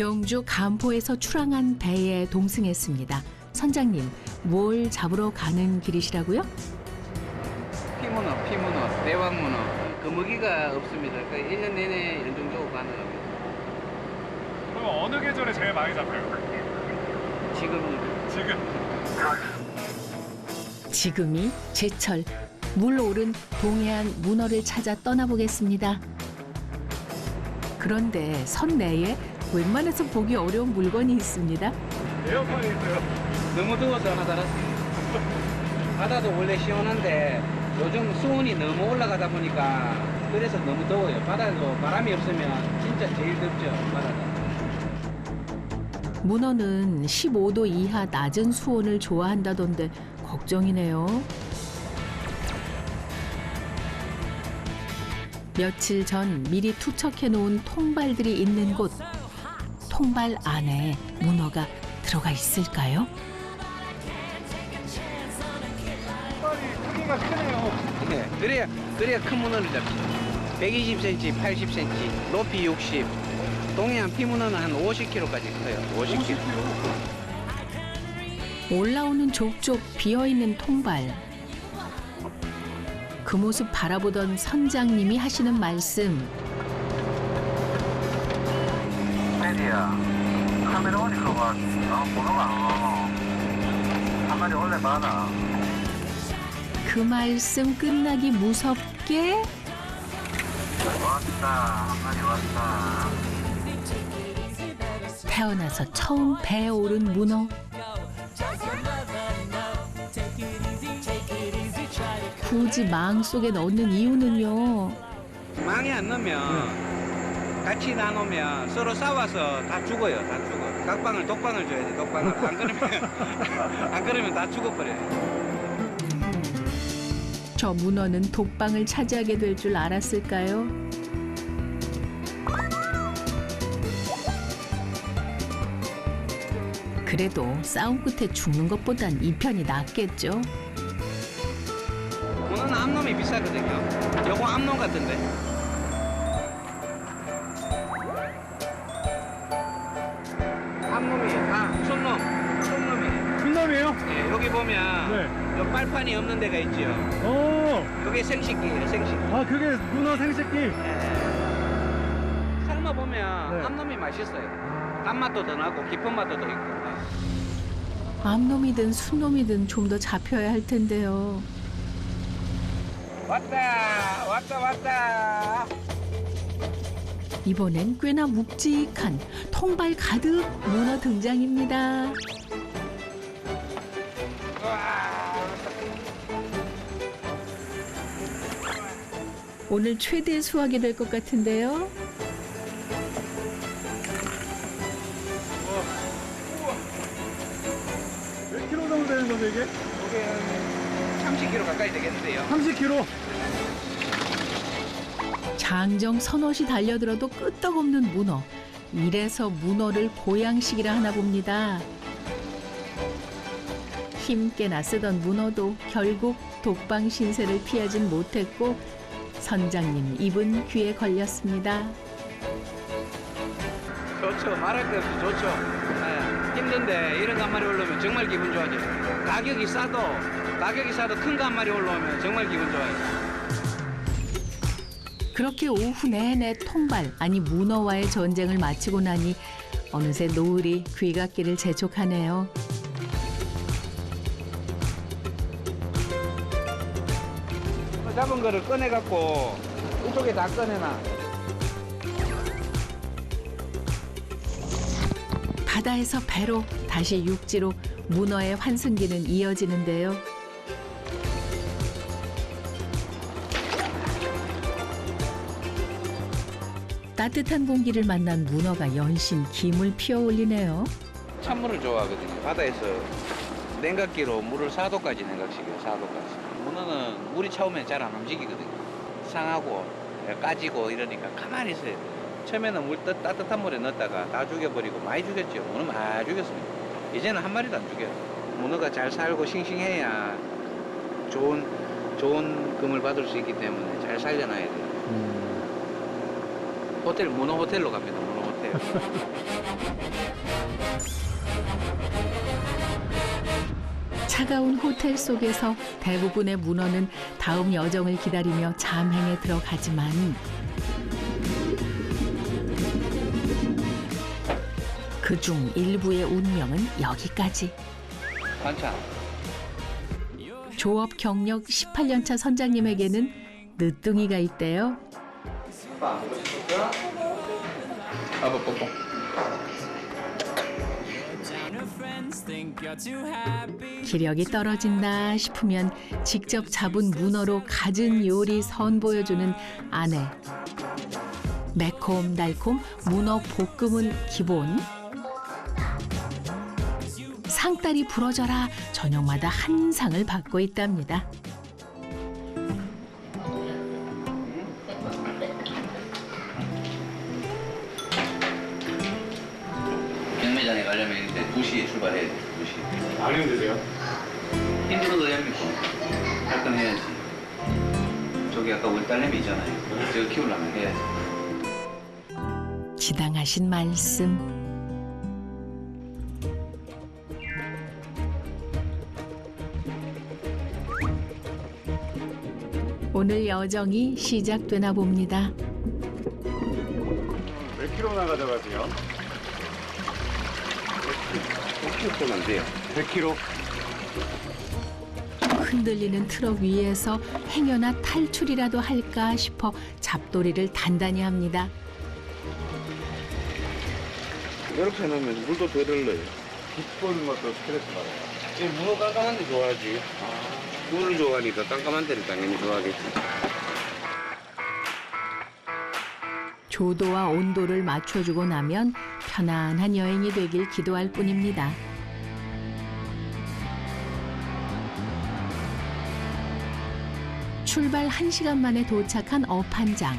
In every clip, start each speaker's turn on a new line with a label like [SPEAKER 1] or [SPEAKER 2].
[SPEAKER 1] 경주 간포에서 출항한 배에 동승했습니다. 선장님, 뭘 잡으러 가는 길이시라고요?
[SPEAKER 2] 피문어, 대왕문어. 거먹이가 없습니다. 그러니까 1년 내내 연중적으로 가능합니다.
[SPEAKER 3] 그럼 어느 계절에 제일 많이 잡혀요?
[SPEAKER 2] 지금
[SPEAKER 1] 지금이 제철. 물 오른 동해안 문어를 찾아 떠나보겠습니다. 그런데 선 내에 웬만해서 보기 어려운 물건이 있습니다.
[SPEAKER 3] 에어컨이 있어요.
[SPEAKER 2] 너무 더워서 하나 달았습니다. 바다도 원래 시원한데 요즘 수온이 너무 올라가다 보니까 그래서 너무 더워요. 바다도 바람이 없으면 진짜 제일 덥죠, 바다가.
[SPEAKER 1] 문어는 15도 이하 낮은 수온을 좋아한다던데 걱정이네요. 며칠 전 미리 투척해 놓은 통발들이 있는 곳. 통발 안에 문어가 들어가 있을까요?
[SPEAKER 3] 빨리 크기가 크네요.
[SPEAKER 2] 네, 그래야 큰 문어를 잡죠. 120cm, 80cm, 높이 60. 동해안 피문어는 한 50kg까지 커요. 50kg.
[SPEAKER 1] 올라오는 족족 비어있는 통발. 그 모습 바라보던 선장님이 하시는 말씀.
[SPEAKER 4] 메디야, 카메라 오니까 와, 번호가 안 와. 한 마리 원래 많아.
[SPEAKER 1] 그 말씀 끝나기 무섭게
[SPEAKER 4] 왔다, 한 마리 왔다.
[SPEAKER 1] 태어나서 처음 배에 오른 문어. 굳이 망 속에 넣는 이유는요.
[SPEAKER 2] 망에 안 넣으면 같이 나누면 서로 싸워서 다 죽어요. 다 죽어. 각방을 독방을 줘야 돼. 독방을. 안 그러면 안 그러면 다 죽어버려요.
[SPEAKER 1] 저 문어는 독방을 차지하게 될 줄 알았을까요? 그래도 싸움 끝에 죽는 것보단 이 편이 낫겠죠.
[SPEAKER 2] 문어는 암놈이 비싸거든요. 요거 암놈 같은데. 암놈이 손놈이에요.
[SPEAKER 3] 흰놈이에요?
[SPEAKER 2] 예, 여기 보면
[SPEAKER 3] 네.
[SPEAKER 2] 요 빨판이 없는 데가 있죠.
[SPEAKER 3] 오,
[SPEAKER 2] 그게 생식기예요. 생식기.
[SPEAKER 3] 아 그게 문어 생식기.
[SPEAKER 2] 예. 삶아 보면
[SPEAKER 3] 네.
[SPEAKER 2] 암놈이 맛있어요. 단맛도 더 나고 깊은 맛도 더 있고.
[SPEAKER 1] 암놈이든 순놈이든 좀 더 잡혀야 할 텐데요.
[SPEAKER 2] 왔다.
[SPEAKER 1] 이번엔 꽤나 묵직한 통발 가득 문어 등장입니다. 오늘 최대 수확이 될 것 같은데요.
[SPEAKER 3] 몇 킬로 정도 되는 거죠 이게?
[SPEAKER 2] 이게 30kg 가까이 되겠는데요.
[SPEAKER 3] 30킬로.
[SPEAKER 1] 장정 서너시 달려들어도 끄떡없는 문어. 이래서 문어를 보양식이라 하나 봅니다. 힘께나 쓰던 문어도 결국 독방 신세를 피하진 못했고 선장님 입은 귀에 걸렸습니다.
[SPEAKER 2] 좋죠. 말할 것 없이 좋죠. 네. 힘든데 이런 거 한 마리 올라오면 정말 기분 좋아져요. 가격이 싸도 큰 거 한 마리 올라오면 정말 기분 좋아요.
[SPEAKER 1] 그렇게 오후 내내 통발 아니 문어와의 전쟁을 마치고 나니 어느새 노을이 귀갓길을 재촉하네요.
[SPEAKER 2] 잡은 거를 꺼내갖고 이쪽에 다 꺼내놔.
[SPEAKER 1] 바다에서 배로 다시 육지로 문어의 환승기는 이어지는데요. 따뜻한 공기를 만난 문어가 연신 김을 피어올리네요.
[SPEAKER 2] 찬물을 좋아하거든요. 바다에서 냉각기로 물을 4도까지 냉각시켜요. 4도까지. 문어는 물이 차오면 잘 안 움직이거든요. 상하고 까지고 이러니까 가만히 있어요. 처음에는 따뜻한 물에 넣었다가 다 죽여버리고 많이 죽였죠. 문어 많이 죽였습니다. 이제는 한 마리도 안 죽여요. 문어가 잘 살고 싱싱해야 좋은 금을 받을 수 있기 때문에 잘 살려놔야 돼요. 호텔, 문어 호텔로 갑니다. 문어 호텔.
[SPEAKER 1] 차가운 호텔 속에서 대부분의 문어는 다음 여정을 기다리며 잠행에 들어가지만 그중 일부의 운명은 여기까지.
[SPEAKER 2] 반찬.
[SPEAKER 1] 조업 경력 18년차 선장님에게는 늦둥이가 있대요.
[SPEAKER 2] 아빠 안 보고 싶었어? 아빠 뽀뽀.
[SPEAKER 1] 기력이 떨어진다 싶으면 직접 잡은 문어로 갖은 요리 선보여주는 아내. 매콤달콤 문어 볶음은 기본. 상다리 부러져라 저녁마다 한 상을 받고 있답니다.
[SPEAKER 2] 경매장에 가려면 이제 2시에 출발해야 돼. 2시.
[SPEAKER 3] 많이 힘드세요?
[SPEAKER 2] 힘들어도 됩니까? 할 건 해야지. 저기 아까 우리 딸내미 있잖아요. 제가 키우려면 해야지.
[SPEAKER 1] 지당하신 말씀. 오늘 여정이 시작되나 봅니다.
[SPEAKER 3] 몇 킬로나 가져가세요?
[SPEAKER 2] 100kg면 안 돼요.
[SPEAKER 3] 100킬로.
[SPEAKER 1] 흔들리는 트럭 위에서 행여나 탈출이라도 할까 싶어 잡돌이를 단단히 합니다.
[SPEAKER 2] 이렇게 해놓으면 물도 덜 흘러요.
[SPEAKER 3] 빗보는 것도 스트레스 받아요.
[SPEAKER 2] 문어 깜깜한 데 좋아하지. 물을 좋아하니까 깜깜한 데를 당연히 좋아하겠지.
[SPEAKER 1] 조도와 온도를 맞춰주고 나면 편안한 여행이 되길 기도할 뿐입니다. 출발 1시간 만에 도착한 어판장.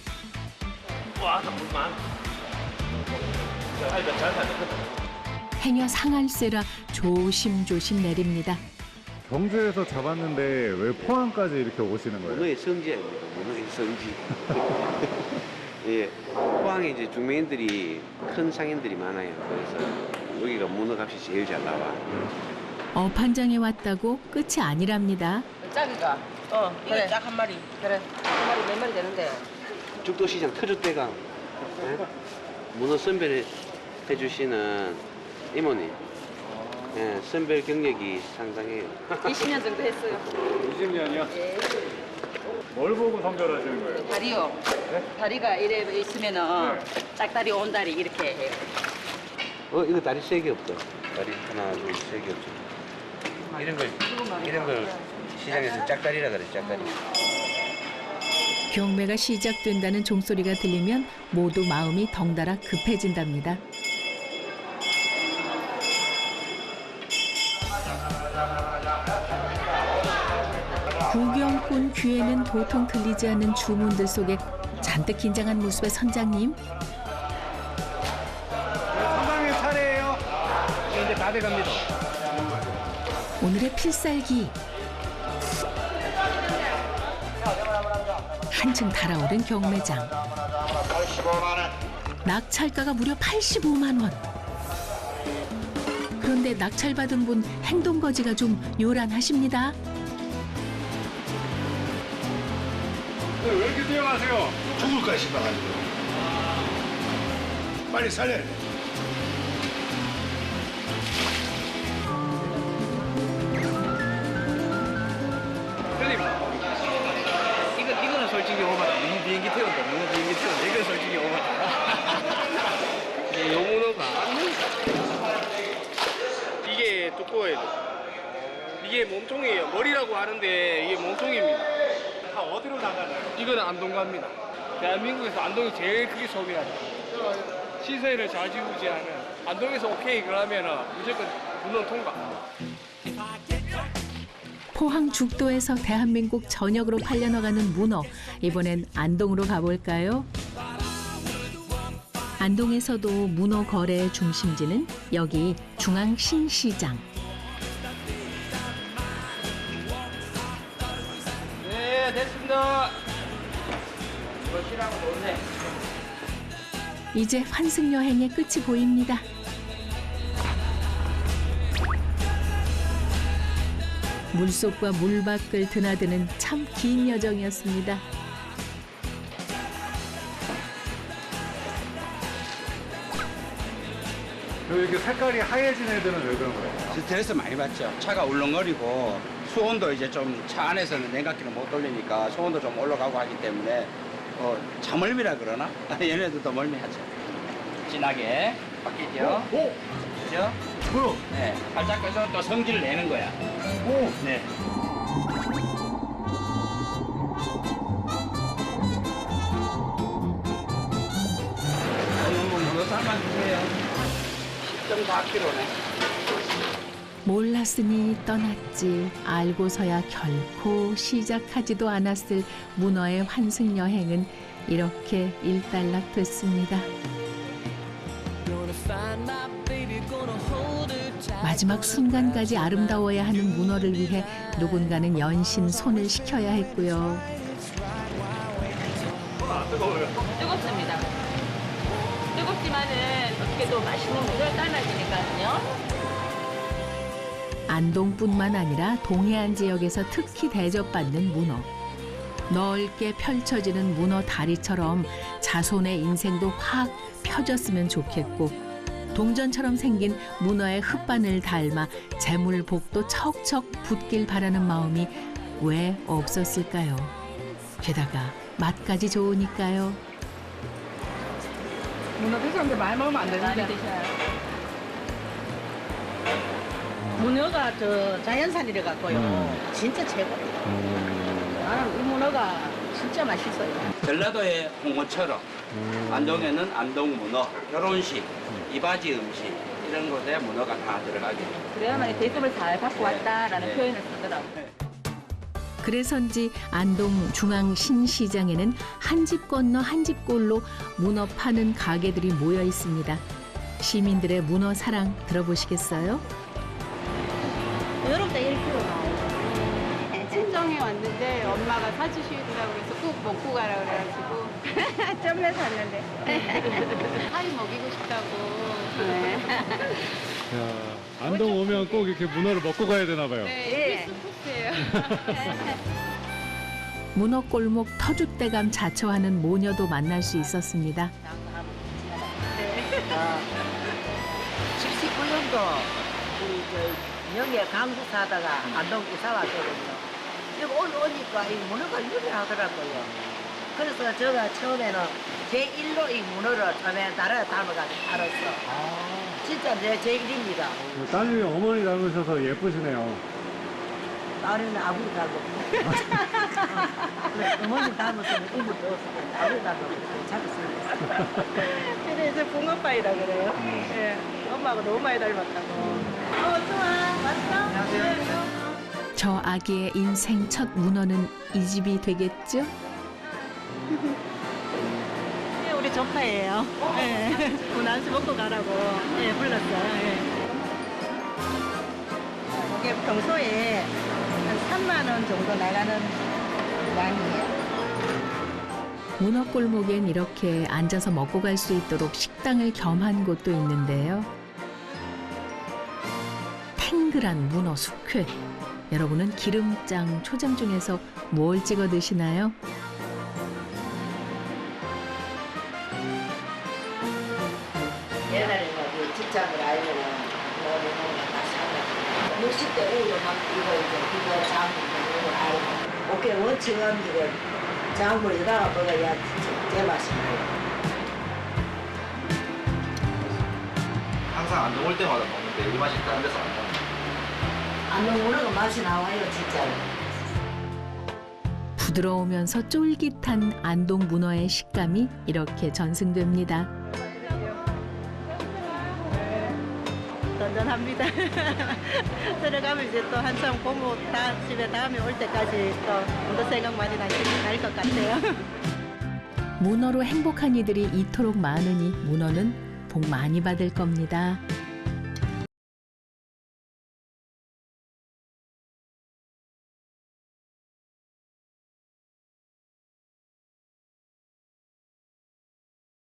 [SPEAKER 1] 행여 상할세라 조심조심 내립니다.
[SPEAKER 3] 경주에서 잡았는데 왜 포항까지 이렇게 오시는 거예요?
[SPEAKER 5] 문어의 성지입니다. 문어의 성지. 예, 포항에 이제 중매인들이 큰 상인들이 많아요. 그래서 여기가 문어 값이 제일 잘 나와.
[SPEAKER 1] 어판장에 왔다고 끝이 아니랍니다.
[SPEAKER 6] 짝이가. 그래. 짝 한 마리. 그래. 한 마리 몇 마리 되는데.
[SPEAKER 5] 죽도시장 터줏대감 예? 문어 선별해 주시는 이모님. 예, 선별 경력이 상당해요.
[SPEAKER 6] 20년 정도 했어요.
[SPEAKER 3] 20년이요?
[SPEAKER 6] 예.
[SPEAKER 3] 뭘 보고 선별하시는 거예요?
[SPEAKER 6] 다리요. 다리가 이래 있으면은 짝다리, 온다리 이렇게 해요.
[SPEAKER 5] 이거 다리 3개 없어. 다리 하나, 둘, 3개 없죠. 이런 걸 시장에서 짝다리라 그래, 짝다리.
[SPEAKER 1] 경매가 시작된다는 종소리가 들리면 모두 마음이 덩달아 급해진답니다. 구경꾼 귀에는 도통 들리지 않는 주문들 속에 잔뜩 긴장한 모습의 선장님.
[SPEAKER 3] 선장님 차례예요. 이제 다 돼갑니다.
[SPEAKER 1] 오늘의 필살기. 한층 달아오른 경매장. 낙찰가가 무려 85만 원. 그런데 낙찰받은 분 행동거지가 좀 요란하십니다.
[SPEAKER 3] 왜 이렇게 뛰어가세요?
[SPEAKER 7] 죽을까 싶어가지고 빨리 살려야 돼.
[SPEAKER 5] 이거는 솔직히 오바다. 문어 비행기 태운다. 문어 비행기 태운다. 이건 솔직히 오바다. 요 문어가
[SPEAKER 8] 이게 두꺼워요. 이게 몸통이에요. 머리라고 하는데 이게 몸통입니다.
[SPEAKER 3] 다 어디로 나가나요?
[SPEAKER 8] 이거는 안동 갑니다. 대한민국에서 안동이 제일 크게 소비하죠. 시세를 좌지우지하는 안동에서 오케이 그러면은 무조건 문어 통과.
[SPEAKER 1] 포항 죽도에서 대한민국 전역으로 팔려나가는 문어. 이번엔 안동으로 가볼까요? 안동에서도 문어 거래의 중심지는 여기 중앙신시장.
[SPEAKER 8] 네, 됐습니다.
[SPEAKER 1] 이제 환승 여행의 끝이 보입니다. 물속과 물 밖을 드나드는 참 긴 여정이었습니다.
[SPEAKER 3] 이렇게 색깔이 하얘진 애들은 왜 그런 거예요?
[SPEAKER 9] 스트레스 많이 받죠. 차가 울렁거리고 수온도 이제 좀 차 안에서는 냉각기를 못 돌리니까 수온도 좀 올라가고 하기 때문에 자멀미라 그러나? 얘네들도 멀미하죠. 진하게 바뀌죠.
[SPEAKER 3] 오!
[SPEAKER 9] 그죠?
[SPEAKER 3] 뭐야?
[SPEAKER 9] 네. 살짝 해서 또 성질을 내는 거야.
[SPEAKER 3] 오!
[SPEAKER 9] 네. 문어 삶아 주세요. 10.4kg네.
[SPEAKER 1] 몰랐으니 떠났지 알고서야 결코 시작하지도 않았을 문어의 환승 여행은 이렇게 일단락됐습니다. 마지막 순간까지 아름다워야 하는 문어를 위해 누군가는 연신 손을 식혀야 했고요.
[SPEAKER 6] 뜨겁습니다. 뜨겁지만은 어떻게 또 맛있는 물을 삶아주니까요.
[SPEAKER 1] 안동뿐만 아니라 동해안 지역에서 특히 대접받는 문어. 넓게 펼쳐지는 문어 다리처럼 자손의 인생도 확 펴졌으면 좋겠고 동전처럼 생긴 문어의 흙바늘 닮아 재물복도 척척 붙길 바라는 마음이 왜 없었을까요? 게다가 맛까지 좋으니까요.
[SPEAKER 6] 문어 드셨는데 많이 먹으면 안 되는데. 많이 드셔요. 문어가 저 자연산이라 갖고요. 진짜 최고예요. 나는 이 문어가 진짜 맛있어요.
[SPEAKER 9] 전라도의 홍어처럼 안동에는 안동 문어, 결혼식, 이바지 음식 이런 곳에 문어가 다 들어가게 돼요.
[SPEAKER 6] 그래야만 대접을 잘 받고 왔다라는
[SPEAKER 9] 네.
[SPEAKER 6] 표현을 쓰더라고요.
[SPEAKER 1] 그래서인지 안동 중앙신시장에는 한 집 건너 한 집 꼴로 문어 파는 가게들이 모여 있습니다. 시민들의 문어 사랑 들어보시겠어요?
[SPEAKER 10] 여름 때 1kg 나와요. 친정에 왔는데 엄마가 사주시더라고 그래서 꼭 먹고 가라 그래가지고 점에 샀는데 사이 먹이고 싶다고.
[SPEAKER 3] 야, 안동 오면 꼭 이렇게 문어를 먹고 가야 되나 봐요.
[SPEAKER 10] 네, 필수코스예요.
[SPEAKER 1] 문어 골목 터줏대감 자처하는 모녀도 만날 수 있었습니다.
[SPEAKER 11] 79년도 우리 영예 강주 사다가 안동 이사 왔거든요. 여기 오니까 이 문어가 유명하더라고요. 그래서 제가 처음에는 제1로 이 문어를 처음에 나라에 담아가지고 알았어. 진짜 제1입니다.
[SPEAKER 3] 따님이 어머니 닮으셔서 예쁘시네요.
[SPEAKER 11] 나는 아버지 닮았고. 어머니 닮았으면 이불 넣었으면 아버지 닮았고 잡았습니다.
[SPEAKER 10] 그래서 붕어빠이라 그래요. 예, 엄마하고 너무 많이 닮았다고. 좋아. 왔어?
[SPEAKER 1] 저 아기의 인생 첫 문어는 이 집이 되겠죠?
[SPEAKER 10] 네, 우리 조카예요. 예, 군안수 먹고 가라고 예, 불렀어요. 예. 이게 평소에 한 3만 원 정도 나가는 양이에요.
[SPEAKER 1] 문어 골목엔 이렇게 앉아서 먹고 갈 수 있도록 식당을 겸한 곳도 있는데요. 탱글한 문어 숙회. 여러분은 기름장, 초장 중에서 뭘 찍어 드시나요?
[SPEAKER 11] 옛날에 그 직장을 알면은 뭐를 다 사는 60대 우유 막 이거 이거 장물 이걸 알고 오케이 원칙은 이걸 장물에다가 먹어야 제맛이 나요.
[SPEAKER 12] 항상 안동 올 때마다 먹는데 이 맛이 다른 데서 안 나요.
[SPEAKER 11] 안동 문어가 맛이 나와요 진짜로.
[SPEAKER 1] 부드러우면서 쫄깃한 안동 문어의 식감이 이렇게 전승됩니다.
[SPEAKER 10] 든든합니다. 들어가면 이제 또 한참 고모 집에 다음에 올 때까지 또 문어 생각 많이 날 것 같아요.
[SPEAKER 1] 문어로 행복한 이들이 이토록 많으니 문어는 복 많이 받을 겁니다.